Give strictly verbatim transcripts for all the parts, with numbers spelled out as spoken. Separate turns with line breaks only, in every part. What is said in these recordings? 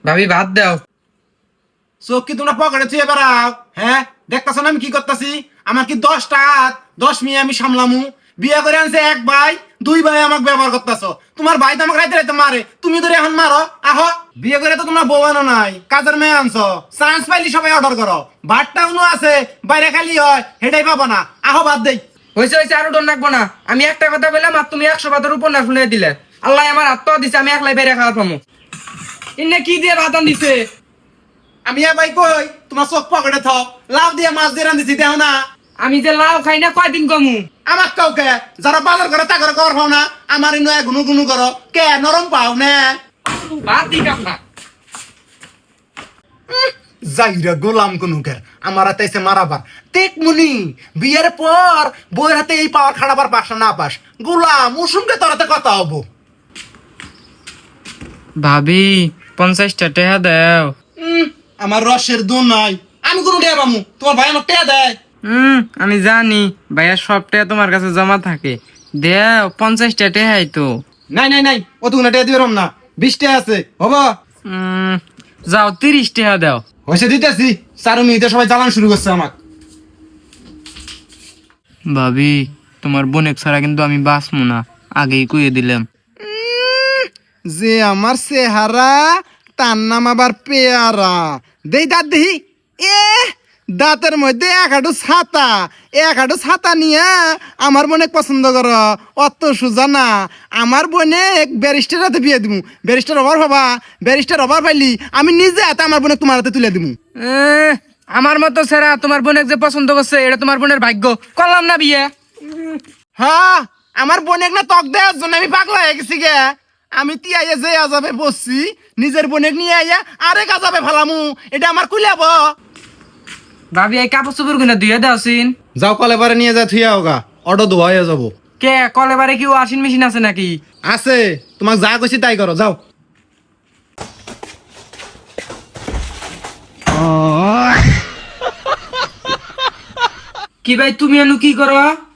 ভাবি ভাত দাও।
চোখ কি তোমরা পকেটে থুয়ে বেড়াও? হ্যাঁ, দেখতেছো না আমি কি করতেছি? আমার কি দশটা হাত, দশ মেয়ে আমি সামলামু? বিয়ে করে আনছে এক ভাই, দুই ভাই আমাকে ব্যবহার করতেছো। তোমার ভাই তো আমাকে রাইতে রাইতে মারে, তুমি ধরে এখন মারো। আহো, বিয়ে করে তো তোমরা বউ আনো নাই, কাজের মেয়ে আনছো। চান্স পাইলি সবাই অর্ডার করো। ভাতটা উনো আছে, বাইরে খালি হয়, হেটাই পাবো না। আহো ভাত দেই।
হয়েছে হয়েছে, আরো ডর রাখবো না। আমি একটা কথা বললাম আর তুমি একশো বাতের উপর না শুনে দিলে। আল্লাহ আমার আত্মা দিছে, আমি একলাই বেড়ে খাওয়ার পামু। ইন্নে কি দিয়ে ভাত দিছে?
আমি এ ভাই কই তোমার চোখ পকেটে থাক, লাভ দিয়ে মাছ দিয়ে রান্ধিছি দেও না।
আমি যে লাউ খাই না কয়দিন কমু।
আমার কাউকে যারা বাজার করে তা করে কর পাও না, আমার ইনো গুনু গুনু করো কে নরম পাও না।
ভাত দি কাম না।
যাইরা গোলাম কুনুকের আমার হাতে এসে মারাবার তেক মুনি বিয়ের পর বইয়ের হাতে এই পাওয়ার খাড়াবার পাস না পাস গোলাম উসুমকে তোর হাতে কথা হবো।
ভাবি পঞ্চাশটা টাকা দাও।
উম, আমার রসের দু নাই, আমি কোনো টেয়া পামু? তোমার ভাই আমার টেয়া দেয়।
হুম আমি জানি ভাইয়া সব টাকা তোমার কাছে জমা থাকে। দেও পঞ্চাশটা টাকাই তো।
নাই নাই নাই, ও তুমি টেয়া দিবে না, বিশ টেয়া আছে হবো।
উম, যাও তিরিশ টাকা দাও।
হয়েছে দিতেছি, চার মিনিটে সবাই জ্বালান শুরু করছে আমাক।
ভাবি তোমার বোনেক ছাড়া কিন্তু আমি বাঁচবো না, আগেই কইয়ে দিলাম।
যে আমার চেহারা তার নাম আবার পেয়ারা। দেই দাঁত দেহি, এ দাঁতের মধ্যে এক হাঁটু ছাতা, এক হাঁটু ছাতা নিয়ে আমার বোনেক পছন্দ কর, অত সোজা না। আমার বোনেক ব্যারিস্টার হাতে বিয়ে দিমু, ব্যারিস্টার অভার হবা, ব্যারিস্টার অভার পাইলি আমি নিজে হাতে আমার বোনেক তোমার হাতে তুলে দিমু।
এ, আমার মতো ছেড়া তোমার বোনেক যে পছন্দ করছে এটা তোমার বোনের ভাগ্য। করলাম না বিয়ে।
হ্যাঁ, আমার বোনেক না তক দেওয়ার জন্য আমি পাগলা হয়ে গেছি গে। আমি তিয়াইয়া যে আজাবে বসছি, নিজের বোনেক নিয়ে আইয়া আরেক আজাবে ফেলামু, এটা আমার কুলাব।
ভাবি এই কাপড় চোপড় গুলো ধুয়ে দাও সিন।
যাও কলে বারে নিয়ে যা থুইয়া হোগা, অটো ধোয়া হয়ে যাবো।
কে কলে বারে কি ওয়াশিং মেশিন আছে নাকি?
আছে, তোমাক যা কইছি তাই করো, যাও।
কি ভাই তুমি এনু কি করো?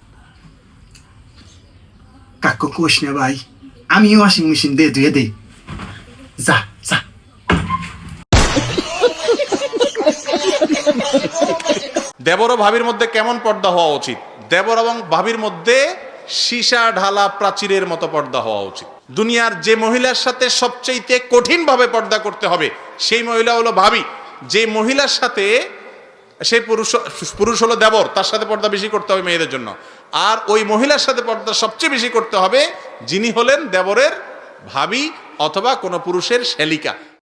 কাকু কোষ না ভাই, আমিও ওয়াশিং মেশিন দে ধুয়ে দে। যা যা।
দেবর ও ভাবির মধ্যে কেমন পর্দা হওয়া উচিত? দেবর এবং ভাবির মধ্যে সীসা ঢালা প্রাচীরের মতো পর্দা হওয়া উচিত। দুনিয়ার যে মহিলার সাথে সবচেয়ে কঠিন ভাবে পর্দা করতে হবে সেই মহিলা হলো ভাবি। যে মহিলার সাথে সেই পুরুষ পুরুষ হলো দেবর, তার সাথে পর্দা বেশি করতে হবে মেয়েদের জন্য। আর ওই মহিলার সাথে পর্দা সবচেয়ে বেশি করতে হবে যিনি হলেন দেবরের ভাবি অথবা কোনো পুরুষের শ্যালিকা।